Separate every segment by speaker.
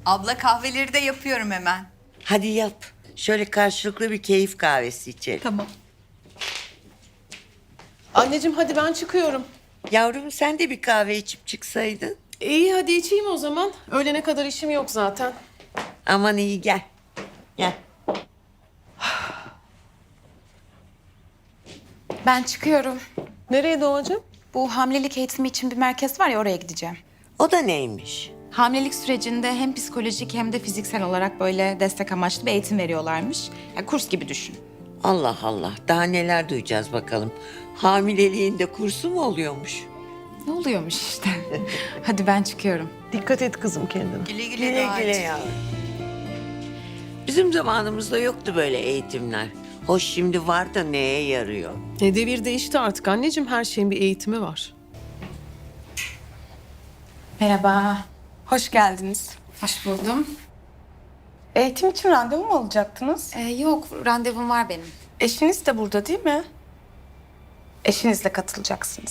Speaker 1: Abla kahveleri de yapıyorum hemen.
Speaker 2: Hadi yap. Şöyle karşılıklı bir keyif kahvesi içelim.
Speaker 1: Tamam.
Speaker 3: Anneciğim hadi ben çıkıyorum.
Speaker 2: Yavrum sen de bir kahve içip çıksaydın.
Speaker 3: İyi hadi içeyim o zaman. Öğlene kadar işim yok zaten.
Speaker 2: Aman iyi gel. Gel.
Speaker 4: Ben çıkıyorum.
Speaker 3: Nereye Doğacığım?
Speaker 4: Bu hamilelik eğitimi için bir merkez var ya, oraya gideceğim.
Speaker 2: O da neymiş?
Speaker 4: Hamilelik sürecinde hem psikolojik hem de fiziksel olarak böyle destek amaçlı bir eğitim veriyorlarmış. Yani kurs gibi düşün.
Speaker 2: Allah Allah. Daha neler duyacağız bakalım. Hamileliğinde kursu mu oluyormuş?
Speaker 4: Ne oluyormuş işte. Hadi ben çıkıyorum.
Speaker 3: Dikkat et kızım kendine.
Speaker 1: Güle güle,
Speaker 2: Güle güle
Speaker 1: Doğacığım.
Speaker 2: yavrum. Bizim zamanımızda yoktu böyle eğitimler. Hoş şimdi var da neye yarıyor?
Speaker 3: Devir değişti artık anneciğim. Her şeyin bir eğitimi var.
Speaker 4: Merhaba.
Speaker 5: Hoş geldiniz.
Speaker 4: Hoş buldum.
Speaker 5: Eğitim için randevu mu alacaktınız?
Speaker 4: Yok, randevum var benim.
Speaker 5: Eşiniz de burada değil mi? Eşinizle katılacaksınız.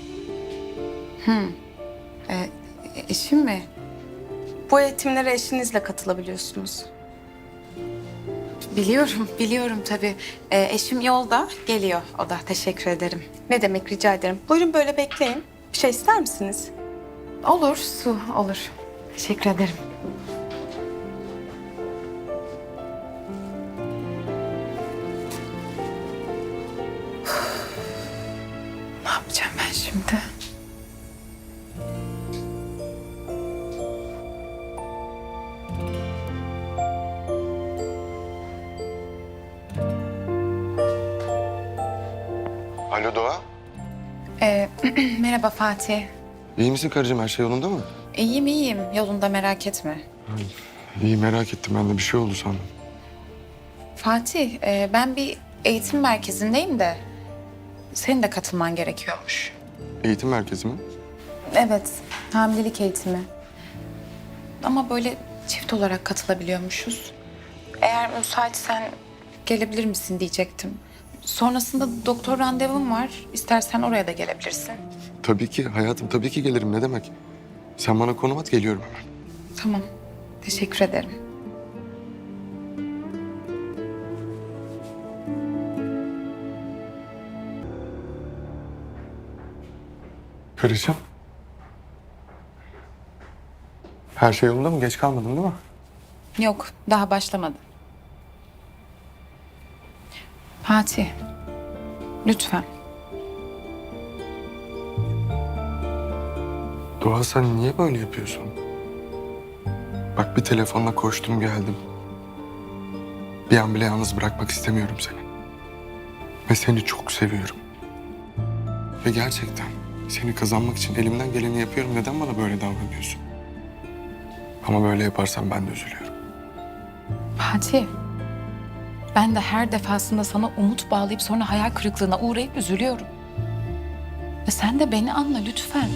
Speaker 4: Eşim mi?
Speaker 5: Bu eğitimlere eşinizle katılabiliyorsunuz.
Speaker 4: Biliyorum tabii. Eşim yolda, geliyor o da. Teşekkür ederim.
Speaker 5: Ne demek, rica ederim. Buyurun böyle bekleyin. Bir şey ister misiniz?
Speaker 4: Olur, su olur. Teşekkür ederim. Ne yapacağım ben şimdi?
Speaker 6: Alo Doğa.
Speaker 4: Merhaba Fatih.
Speaker 6: İyi misin karıcığım? Her şey yolunda mı?
Speaker 4: İyiyim. Yolunda, merak etme.
Speaker 6: İyi merak ettim. Ben de bir şey oldu sandım.
Speaker 4: Fatih, ben bir eğitim merkezindeyim de senin de katılman gerekiyormuş.
Speaker 6: Eğitim merkezi mi?
Speaker 4: Evet, hamilelik eğitimi. Ama böyle çift olarak katılabiliyormuşuz. Eğer müsaitsen gelebilir misin diyecektim. Sonrasında doktor randevum var. İstersen oraya da gelebilirsin.
Speaker 6: Tabii ki hayatım. Tabii ki gelirim. Ne demek? Sen bana konum at, geliyorum hemen.
Speaker 4: Tamam, teşekkür ederim.
Speaker 6: Karıcığım. Her şey yolunda mı? Geç kalmadın değil mi?
Speaker 4: Yok, daha başlamadı. Fatih, lütfen.
Speaker 6: Doğa sen niye böyle yapıyorsun? Bak bir telefonla koştum geldim. Bir an bile yalnız bırakmak istemiyorum seni. Ve seni çok seviyorum. Ve gerçekten seni kazanmak için elimden geleni yapıyorum. Neden bana böyle davranıyorsun? Ama böyle yaparsan ben de üzülüyorum.
Speaker 4: Fatih, ben de her defasında sana umut bağlayıp sonra hayal kırıklığına uğrayıp üzülüyorum. Ve sen de beni anla lütfen.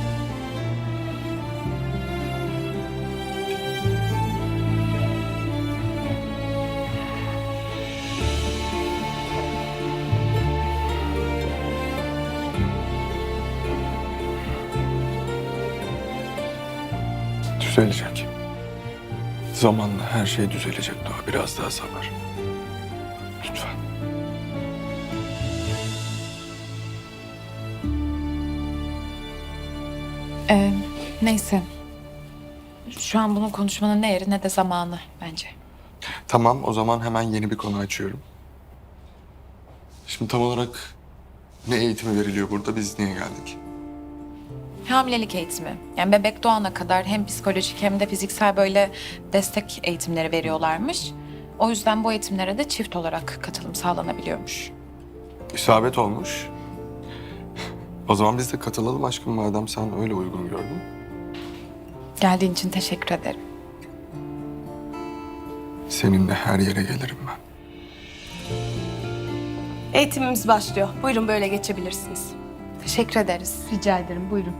Speaker 6: Düzelecek. Zamanla her şey düzelecek Doğa. Biraz daha sabır. Lütfen.
Speaker 4: Neyse. Şu an bunu konuşmanın ne yeri ne de zamanı bence.
Speaker 6: Tamam, o zaman hemen yeni bir konu açıyorum. Şimdi tam olarak ne eğitimi veriliyor burada? Biz niye geldik?
Speaker 4: Hamilelik eğitimi. Yani bebek doğana kadar hem psikolojik hem de fiziksel böyle destek eğitimleri veriyorlarmış. O yüzden bu eğitimlere de çift olarak katılım sağlanabiliyormuş.
Speaker 6: İsabet olmuş. O zaman biz de katılalım aşkım madem sen öyle uygun gördün.
Speaker 4: Geldiğin için teşekkür ederim.
Speaker 6: Seninle her yere gelirim ben.
Speaker 5: Eğitimimiz başlıyor. Buyurun böyle geçebilirsiniz.
Speaker 4: Teşekkür ederiz.
Speaker 5: Rica ederim, buyurun.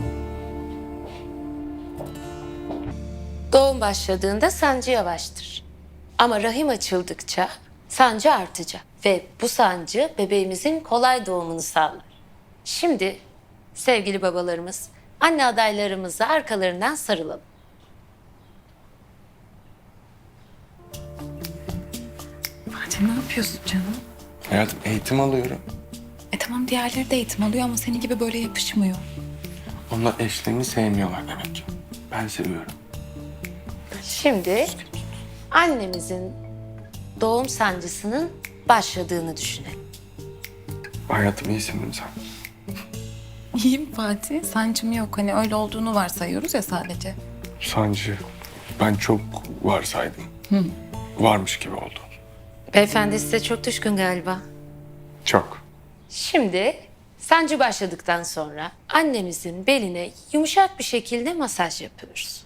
Speaker 7: Doğum başladığında sancı yavaştır. Ama rahim açıldıkça sancı artacak ve bu sancı bebeğimizin kolay doğumunu sağlar. Şimdi sevgili babalarımız, anne adaylarımıza arkalarından sarılalım.
Speaker 4: yapıyorsun canım?
Speaker 6: Hayatım eğitim alıyorum.
Speaker 4: Tamam diğerleri de eğitim alıyor ama senin gibi böyle yapışmıyor.
Speaker 6: Onlar eşlerini sevmiyorlar demek ki. Ben seviyorum.
Speaker 7: Şimdi annemizin doğum sancısının başladığını düşünelim.
Speaker 6: Hayatım iyisin değil mi sen?
Speaker 4: İyiyim Fatih. Sancım yok. Hani öyle olduğunu varsayıyoruz ya sadece.
Speaker 6: Sancı. Ben çok varsaydım. Varmış gibi oldu.
Speaker 7: Beyefendi size çok düşkün galiba.
Speaker 6: Çok.
Speaker 7: Şimdi sancı başladıktan sonra annemizin beline yumuşak bir şekilde masaj yapıyoruz.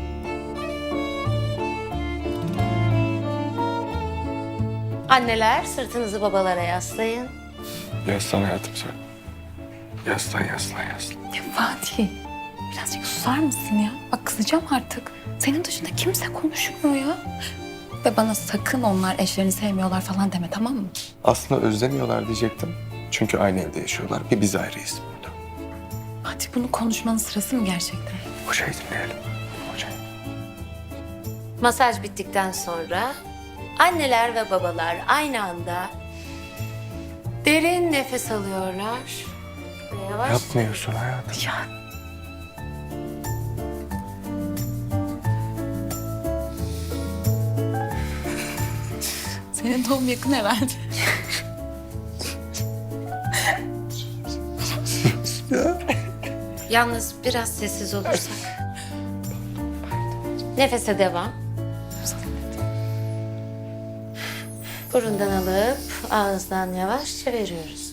Speaker 7: Anneler sırtınızı babalara yaslayın.
Speaker 6: Yaslan hayatım sen. Yaslan.
Speaker 4: Ya Fatih, birazcık susar mısın ya? Bak kızacağım artık. Senin dışında kimse konuşmuyor ya. Ve bana sakın onlar eşlerini sevmiyorlar falan deme, tamam mı?
Speaker 6: Aslında özlemiyorlar diyecektim. Çünkü aynı evde yaşıyorlar. Bir biz ayrıyız burada.
Speaker 4: Fatih bunu konuşmanın sırası mı gerçekten?
Speaker 6: Hocayı dinleyelim. Hocayı.
Speaker 7: Masaj bittikten sonra anneler ve babalar aynı anda derin nefes alıyorlar. Ve yavaş
Speaker 6: Yapmıyorsun hayatım.
Speaker 4: Ya senin doğum yakın herhalde.
Speaker 7: Yalnız biraz sessiz olursak. Nefese devam. Burundan alıp ağızdan yavaşça veriyoruz.